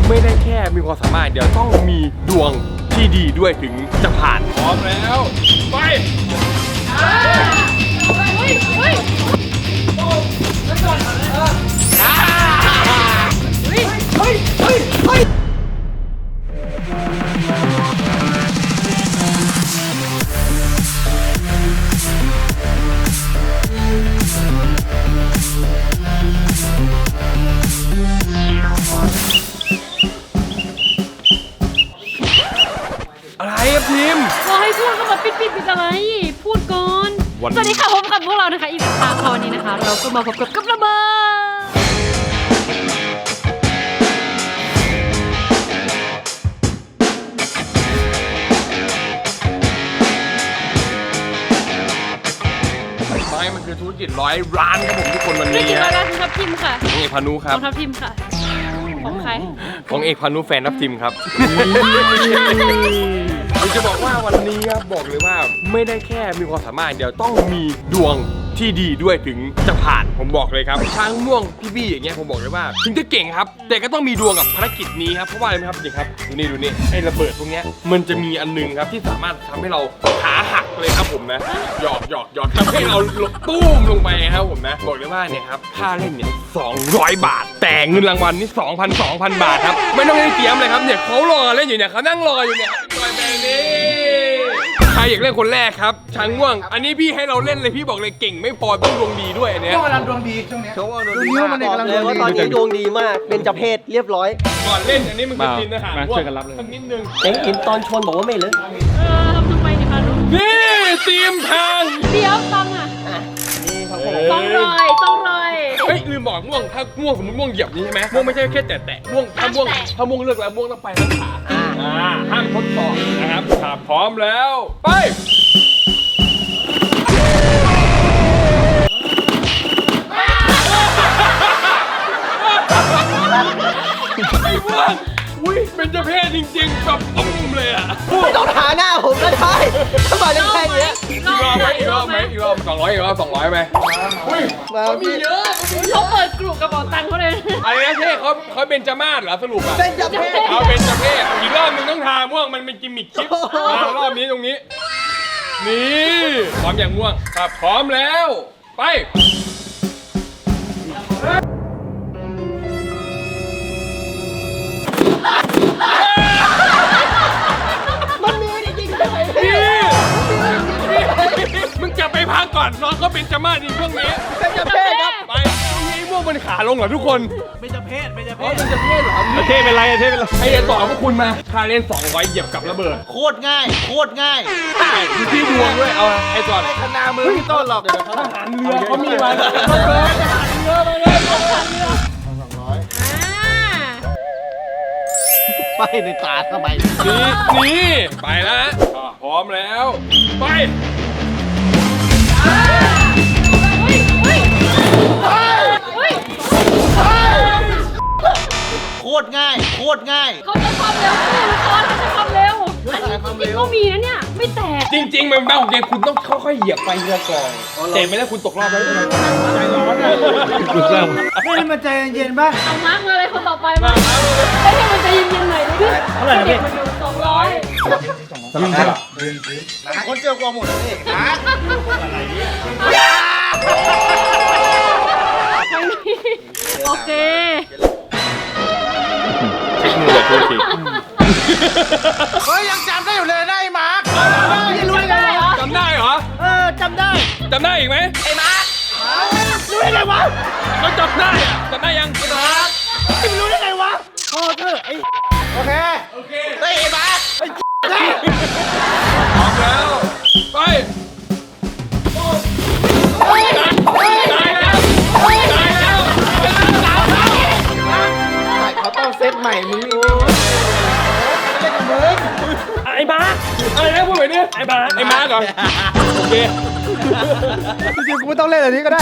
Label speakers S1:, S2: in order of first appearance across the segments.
S1: ไม่ได้แค่มีความสามารถเดี๋ยวต้องมีดวงที่ดีด้วยถึงจะผ่านพร้อมแล้วไปอะไรครับพิมพ์
S2: รอให้พูดก็มาปิดอะไรพูดก่อนสวัสดีค่ะพบกับพวกเรานะคะอีกครั้งวันนี้นะคะเราก็มาพบกับระเบิด
S1: ไม่มันคือธุรกิจ100 ล้านครับผมทุกคนวันนี้
S2: ธุรกิจ100 ล้านของทัพทิมค่ะ
S1: ของเอกพานุครับ
S2: ของทัพทิมค่ะของใคร
S1: ของเอกพานุแฟนทัพทิมครับผมจะบอกว่าวันนี้ครับบอกเลยว่าไม่ได้แค่มีความสามารถเดี๋ยวต้องมีดวงที่ดีด้วยถึงจะผ่านผมบอกเลยครับช้างม่วงพี่บี้อย่างเงี้ยผมบอกเลยว่าถึงจะเก่งครับแต่ก็ต้องมีดวงกับภารกิจนี้ครับเพราะว่าอะไรครับจริงครับดูนี่ไอ้ระเบิดพวกเนี้ยมันจะมีอันนึงครับที่สามารถทำให้เราขาหักเลยครับผมนะหยอกทำให้เราตุ้มลงไปครับผมนะบอกเลยว่าเนี่ยครับค่าเล่นเนี่ย200 บาทแต่เงินรางวัลนี่ 2,000 บาทครับไม่ต้องเล่นเตรียมเลยครับเนี่ยเขารอเล่นอยู่เนี่ยเขานั่งรออยู่เนี่ยจอยแบงนี้ใครอยากเล่นคนแรกครับช้างม่วงอันนี้พี่ให้เราเล่นเลยพี่บอกเลยเก่งไม่พอต้องดวงดีด้วยเนี่ย
S3: ช่วงกำลังดวงดีช่วงนี้ดูนิ้วมันเนี่ยกำลังดวงดี
S4: ตอนนี้ดวงดีมากเป็นจเพศเรียบร้อย
S1: ก่อนเล่นอันนี้มันคือกินอาหารม่วงสักนิดนึง
S4: เห็นตอนชนบอกว่าไม่เลย
S2: ทำไมเนี่ยคะลุง
S1: นี่เตรียมทาง
S2: เดี๋ยวตังอ่ะ
S4: นี่ครับผม
S2: ต้องรอย
S1: เฮ้ยลืมบอกม่วงถ้าม่วงสมมติม่วงเหยียบนี้ใช่ไหมม่วงไม่ใช่แค่แตะม่วงถ้าม่วงเลิกแล้วม่วงต้องไปทั้งขาห้ามทดสอบนะครับถ้าพร้อมแล้วไปไอ้ม่วงอุ้ยเป็นเจ้าเพศจริงๆแบบตุ้มเลยอ่ะ
S4: ไม่ต้องหาหน้าผมก็ได้ถ้ามาเล่นแค่นี้
S1: อีกรอบ200อีกรอบ200ไหมอุ้ยมีเยอะ
S2: เขาเปิดกลุ่มกระเป๋าตังค์เขาเลย
S1: อะไรนะเท่เขาเป็นจมาศเหรอสรุปอ่ะ
S4: เป็นจเพศ
S1: เขาเป็นจเพศอีกรอบนึงต้องทาม่วงมันเป็นกิมมิคคลิปรอบนี้ตรงนี้นี่พร้อมอย่างม่วงครับพร้อมแล้วไป
S4: มันมีจริงๆเลย
S1: มึงจะไปพักก่อนน้องเขาเป็นจมาศในช่วงนี้
S4: เป็นจเพศครับ
S1: ไปนี่ม่วงมันขาลงเหรอทุกคน
S3: เป็นจะเพศ
S1: เป็นจะเพศเหรอเทเป็นไรให้ต่อพวกคุณมาค่าเล่น200เหยียบกับระเบิด
S3: โคตรง่าย
S1: ดูที่ดวงด้วยเอาไอ้ก่อน
S3: ไม่ขนามือพี่ต้นหรอก
S1: ทหารเรือเขามีมาเลยทหารเรือมาเลย
S3: ไปในตาทำไม
S1: นี่ไปแล้วพร้อมแล้วไป
S3: โคตรง่าย
S2: เขาจะความเร็วเขาจะความเร็วอันนี้จริงก็มีนะเนี่ยไม่แตก
S1: จริงๆมันบ้าของเกมคุณต้องค่อยๆเหยียบไปเรือกองเตะไม่ได้คุณตกรอบแล้วใจร้อนเลย
S3: ไม่ได้มาใจเย็นป่ะ
S2: เอามาร์กมาเลยคนต่อไปมาไม่ให้มันใจเย็นๆหน่อยดิ
S3: เท่าไหร่นะพี่
S2: 200
S3: คนเจอกว่าหมดนี่
S2: โอเค
S1: เช็คมือแบบทุกที
S3: เฮ้ยยังจำได้อยู่เลยนะไอ้มาร์ค
S2: รู้ได้เหรอ
S1: จำได้เหรอ
S3: จำได้
S1: อีกไหม
S3: ไอ้มาร์ครู้ได้ไงวะ
S1: เขาจำได้ยังไอ้มาร์ค
S3: ไม่รู้ได้ไงวะโอ้เธอไอ้โอเคเฮ้ยไอ้มาร์ค
S1: พร้อมแล้วไป
S3: เขาต้องเซตใหม่มึง
S1: ไอ้บ้าอะไรนะพูดแบบนี้ไอ้บ้าก่อนโอเค
S3: จริงๆกูไม่ต้องเล่นอันนี้ก็ได้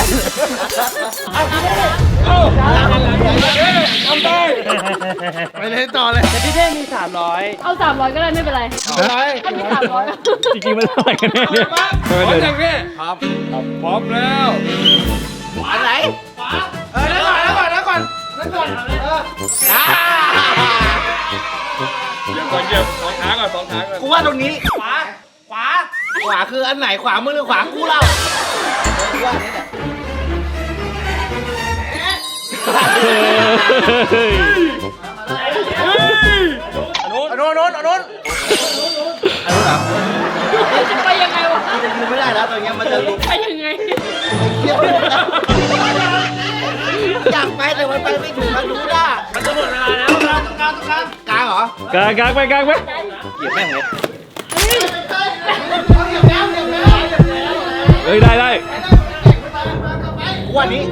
S1: ทำได้
S3: ไปเล่นต่อเลย
S4: แต่พี่เท่มี300
S2: เอา300ก็ได้ไม่เป็นไรถ้ามี300
S4: จริงๆมันเท่าไหร่กันเนี่ย
S1: พร้อมยังเนี่ยครับพร้อมแล้ว
S3: อันไหนนั่นก่อน
S1: เหยียบก่อนเหยียบสองขาก่อนสองขาก่อน
S3: กูว่าตรงนี้ขวาคืออันไหนขวามือหรือขวากูเล่า
S4: กูว่าอันนี้แหละ
S3: โน้นเหรอ
S2: จะไปยังไงวะ
S4: จะยืนไม่ได้แล้วตอนนี้มันจะลุก
S2: ไปยังไง
S4: อยากไปแต่มันไปไม่ถึงมันรู้ได้
S3: มันจะหมดเวลาแล้วตรงกลางเหรอก
S5: ลางไป
S3: เหยียบแม่งเลย
S5: เฮ้ยได้
S3: กูว่านี้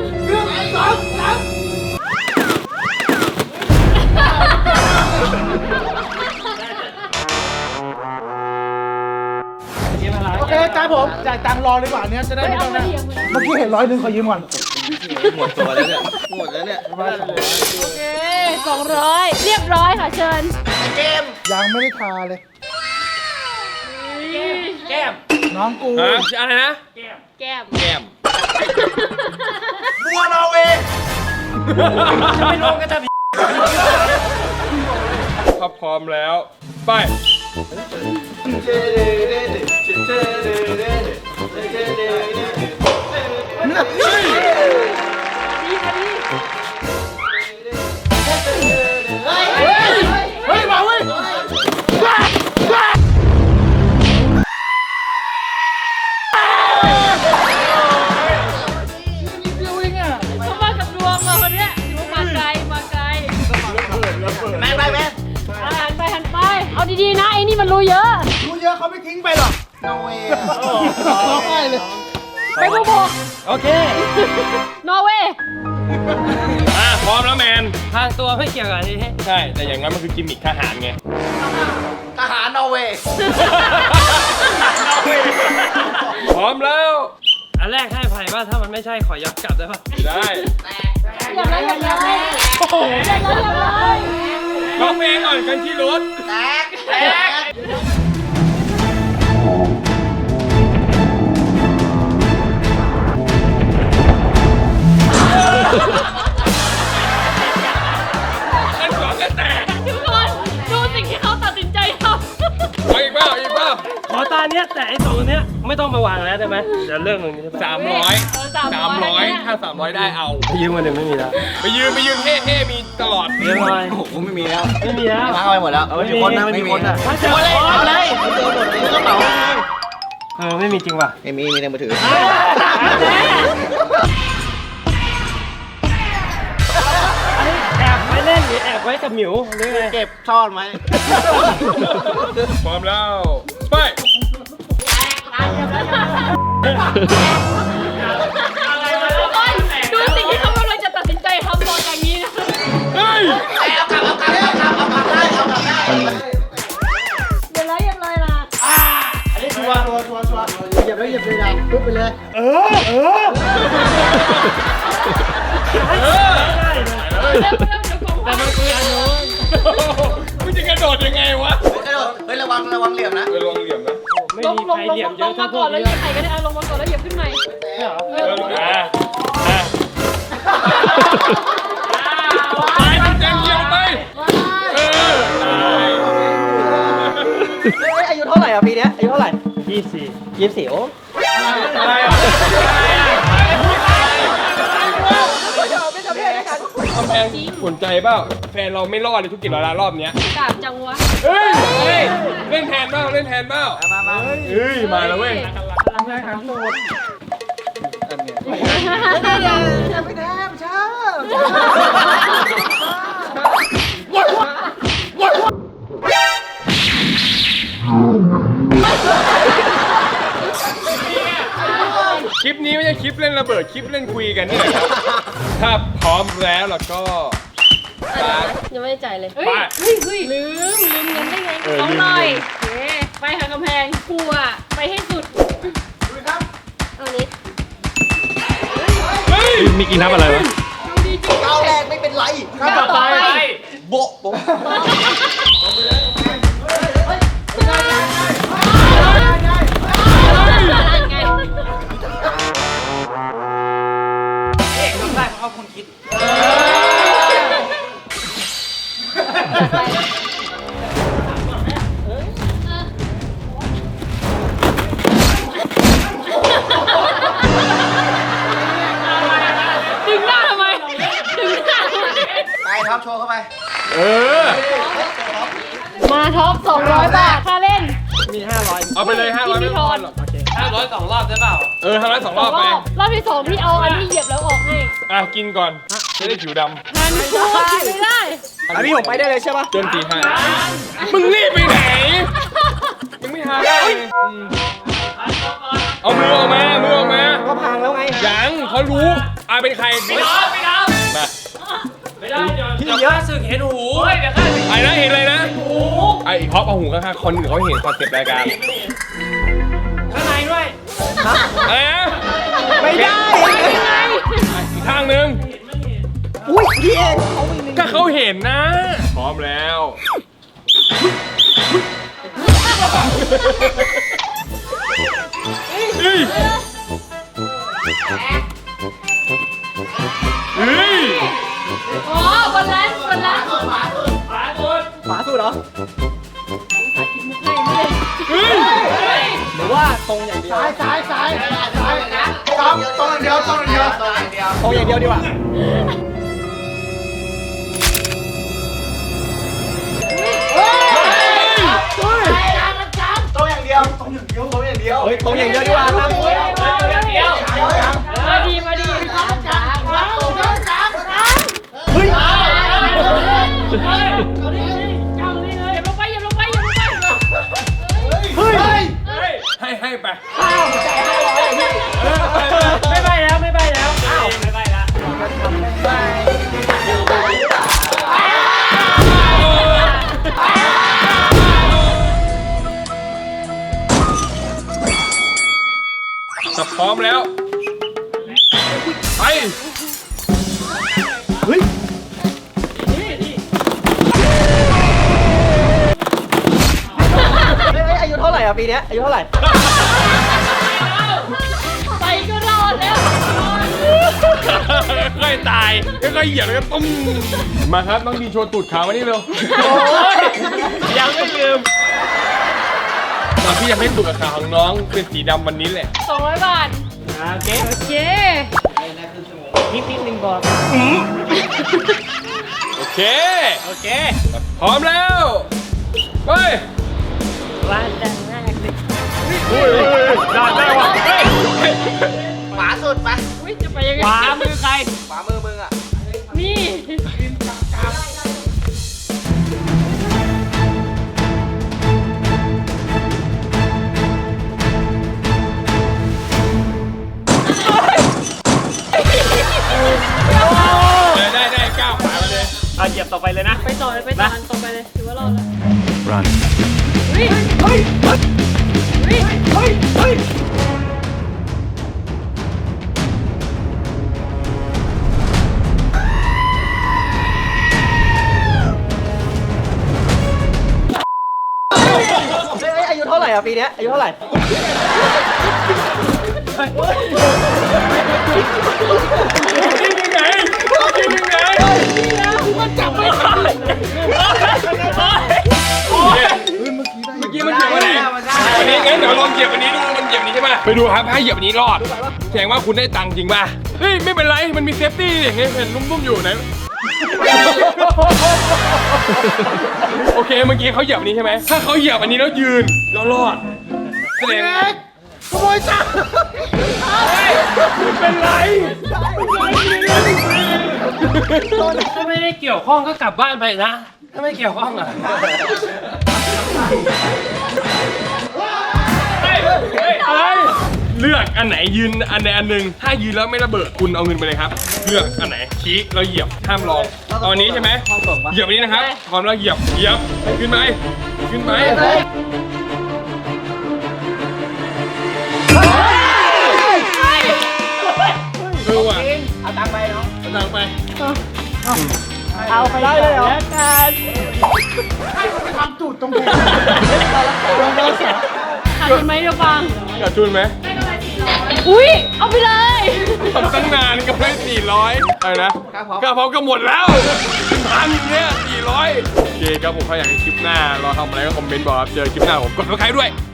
S6: โอเคตามผมจ่ายตังค์รอเลยกว่าอันเนี้ยจะได้ไม่ต้องนะเมื่อกี้เห็น100ขอยืมก่อน
S3: หมดตัวแล้วเนี่ยหมดแล้วเนี่ย
S2: โอเค200เรียบร้อยค่ะเชิญ
S6: ยังไม่ได้ทาเลย
S3: แก้ม
S6: น้องกู
S1: ฮะอะไรนะ
S2: แก้ม
S1: แก้ม
S3: บัวนอร์เวย์จะไม่รวมกันจะ
S1: ถ้าพร้อมแล้วไป
S6: เฮ้ยมาเว้ย
S2: เขามากับดวงมาคนเนี้ยถือว่ามาไกลมาไกล
S3: แม่ไป
S2: หันไปเอาดีๆนะไอ้นี่มันรู้เยอะ
S6: รู้เยอะเขาไม่ทิ้งไปหรอก
S4: นอร์เวย์
S6: ร้องไห้เลย
S2: ไปบุก
S5: โอเค
S2: นอร์เวย์
S1: พร้อมแล้วแมน
S5: ทางตัวไม่เกี่ยวกับอันนี้
S1: ใช่แต่อย่างนั้นมันคือกิมมิคทหารไง
S3: ทหารนอร์เวย์
S1: พร้อมแล้ว
S5: อันแรกให้ไผ่ป่ะถ้ามันไม่ใช่ขอย้อนกลับได้ป่ะ
S1: ได้
S2: อย่าเลยอย่าเลยอย่าเลย
S1: ร้องเพลงก่อนกันที่รถ
S3: แตก
S1: กันก่อนกันแตก
S2: ทุกคนดูสิ่งที่เขาตัดสินใจทำ
S1: เอาอีกเปล่าอีกเปล่า
S5: ขอตาเนี้ยแต่ไอ้สองเนี้ยไม่ต้องมาวางแล้วได้ไหมเดี๋ยวเรื่องตรงนี้
S1: 300ถ้า300ได้เอา
S5: ยืมมาหนึ่งไม่มีแล้ว
S1: ไปยืนเท่มีตลอด
S5: เรื่องอะไร
S3: โอ้โหไม่มีแล้ว
S5: ไม่มีแล้ว
S3: ล้างเอาไปหมดแล้ว
S5: ไม่มีคนนะไม่มีคนนะ
S3: ถ้าเจอเอาเลย
S4: เจอหมดเลยกระเป๋า
S5: ไม่มีจริงป่ะ
S3: ไม่มีในมือถือ
S5: แอบไว้เล่นหรือแอบไว้กับหมิวหรือไง
S3: เก็บซ่อนไหม
S1: พร้อมแล้วไป
S2: ทุกคนดูสิ่งที่เขากำลังจะตัดสินใจทำบอกอย่างนี้นะ
S1: เฮ้ย
S3: เอากลับได้เอากลับได้
S2: อย่าเลยนะ
S3: อันนี้ชัวร์
S4: เหยียบแล้วเหยียบเลยดาวปุ๊บไปเลย
S2: เดี๋ยวของ
S5: แต่มันคืออันนู้น
S1: มึงจะกระโดดยังไงวะ
S3: กระโดดเฮ้ยระวังเหลี่ยมนะ
S1: ลองเหลี่ยมนะ
S5: ไม่
S2: ลง
S5: มี
S2: ล
S5: ใค
S2: ง
S5: ร
S2: ลง
S5: เหลี่ยมเย
S2: ล
S5: อะ
S2: ง
S5: ถ้า
S2: มา
S5: พ
S2: ก่
S5: ว
S2: อก นแล้ว
S5: นี้
S2: เหยียบใครก็ได้ลงมาก่อนแล้วเหยียบขึ้นใหม่
S1: ไปมันแจงเกี่ยวไปเออ
S4: อายุเท่าไหร่อ่ะปีเนี้ยอายุเท่าไหร่
S5: 24
S4: 24โอ้
S1: อะไรอ่ะ กำแพงสนใจเปล่าแฟนเราไม่รอดเลยทุกกี่ร้อยล้านรอบเนี้ย
S2: กาบจังวะ
S1: เฮ้ยเล่นแทนเปล่าเล่นแทนเปล่าเฮ้ยมาแล้วเว้ย
S4: ไม่ได้ไม่ใช่
S1: คลิปนี้ไม่ใช่คลิปเล่นระเบิดคลิปเล่นคุยกันนี่แหละครับถ้าพร้อมแล้วเราก็
S2: ยังไม่ได้จ่ายเลย
S1: ไป
S2: ลืมเงินได้ไงเขาหน่อยไปหากำแพงกลัวไปให้สุดเอานี้
S1: เฮ้ย
S5: มีกี่นับอะไรวะ
S2: ดูดีจริง
S4: ก้าวแรกไม่เป็นไร
S2: ก้าวต่อไป
S4: โบะโบะ
S2: ไง
S3: ได้เพราะคนคิด
S2: เ
S3: ท็อปโชว์เข้าไป
S1: เออ
S2: มาท็อป200 บาทค่าเล่น
S5: มี500
S1: เอาไปเลย500ไม่พอหรอก
S5: 500 2 รอบได้เปล่า
S1: เออ500 2 รอบไป
S2: รอบที่2พี่เอาอันที่เหยียบแล้วออกให้
S1: อ่ะกินก่อนจะได้ผิวด
S2: ทันพูดไม่ได้
S4: อันนี้ผมไปได้เลยใช่ปะ
S1: ำจนตีห้ามึงรีบไปไหน มึงไม่หาได้เอามือออกมา มือออกมา
S4: ก็พังแล้วไง
S1: ยังเขารู้เป็นใครไม่ทำมา
S5: ไม่ได้เดี๋ยวข้าศึกเห็นหูเดี๋ยวข้าศึก
S1: ไอ้นะเห็นอะไรนะไอ้ท็อปเอาหูข้างๆคนอื่นเขาเห็นคอนเซ็ปต์รายการ
S5: ข้างในด้วย
S1: อะไรนะ
S4: ไม่ได้
S1: อีกข้างหนึง
S4: อุ้ยพี่เองเขามี
S1: ก็เขาเห็นนะ พร้อมแล้วเฮ้ยเฮ้ย
S2: อ๋อบนร้านบนร้าน
S4: ฝาสุดเหรอ
S1: เฮ้ย
S4: หรือว่าตรงอย่างเดียว
S6: ซ้ายท็อปตรงอย่างเดียว
S4: ตรงอย่างเดียวดีกว่า
S3: ตรงอย่างเดียว
S4: เฮ้ยตรงอย่างเดียวดีกว่าครับ
S2: มาดีมาดี
S4: เฮ้ย
S2: อย่าลงไปอย่าลงไปอย่าลงไป
S4: เฮ้ย
S1: ให้ไป
S5: ไม่ไปแล้วไม่ไปแล้วไม่ไปแล้ว
S1: ถ้าพร้อมแล้ว ไป
S4: เฮ้ยอายุเท่าไหร่อ่ะปีเนี้ยอายุเท่าไหร่
S2: ไปก็รอดแล้ว
S1: ค่อยๆตายค่อยๆเหยียบแล้วก็ตุ้มมาครับน้องดีโชว์ตูดขาวมานี่เร็ว
S5: ยังไม่ลืม
S1: ตอนที่ยังให้ตูดกับขาของน้องเป็นสีดำวันนี้แหละ
S2: 200 บาท
S5: โอเค
S2: โอเค
S5: นิดนึงก่อน
S1: โอเค
S5: โอเค
S1: พร้อมแล้วไป
S5: ร้านแรกเลย
S1: ได้ว่ะเฮ้ย
S3: ขวาสุดไป
S2: อุ้ยจะไปยังไง
S5: ขวามือใคร
S3: ขวามือมึงอ่ะ
S2: นี่
S1: ได้ก้าวขาไปเลย
S5: เอาเหยียบต่อไปเลยนะ
S2: ไปต่อเลยไปต่ออันต่อไปเลยถือว่ารอดแล้ว
S4: run
S2: เฮ้ย
S4: เฮ้ยเฮ้ย
S2: เฮ้ย
S4: เฮ้ยเฮ้ยอายุเท่าไหร่อ่ะปีเนี้ยอายุเท่าไหร่
S1: กินยังไงกินยังไง
S2: มันจับไม่ทัน
S1: เมื่อกี้มันเหยียบอะไรอันนี้งั้นเดี๋ยวลองเหยียบอันนี้ดูมันเหยียบอันนี้ใช่ไหมไปดูครับถ้าเหยียบอันนี้รอดแสดงว่าคุณได้ตังค์จริงป่ะเฮ้ยไม่เป็นไรมันมีเซฟตี้อย่างเงี้ยเห็นนุ่มๆอยู่ไหนโอเคเมื่อกี้เขาเหยียบอันนี้ใช่ไหมถ้าเขาเหยียบอันนี้แล้วยืนแล้วรอดแสดง
S6: ขโมยจ้า
S1: เป็นไร
S5: ถ้าไม่ได้เกี่ยวข้องก็กลับบ้านไปนะ ถ้าไม่เกี่ยวข้องอ่ะ
S1: อะไรเลือกอันไหนยืนอันใดอันหนึ่งถ้ายืนแล้วไม่ระเบิดคุณเอาเงินไปเลยครับเลือกอันไหนชี้แล้วเหยียบห้ามลองเอาอันนี้ใช่ไหมเหยียบอันนี้นะครับพร้อมแล้วเหยียบขึ้นไปว่ะ
S3: เอาตังค์ไปเนาะ
S1: เอาตังค์ไป
S4: เอาไปได้เลยเหรอ
S6: ทำตูดตรงนี้
S2: ขาดทุนไหมเดี๋ยวฟัง
S1: ขาดทุนไหม
S2: อุ้ยเอาไปเลย
S1: ทำตั้งนานก็ได้400อะไรนะค่าพร้อมก็หมดแล้วพันเนี่ย400โอเคครับผมถ้าอยากให้คลิปหน้าเราทำอะไรก็คอมเมนต์บอกครับเจอคลิปหน้าผมกดซับสไครบ์ด้วย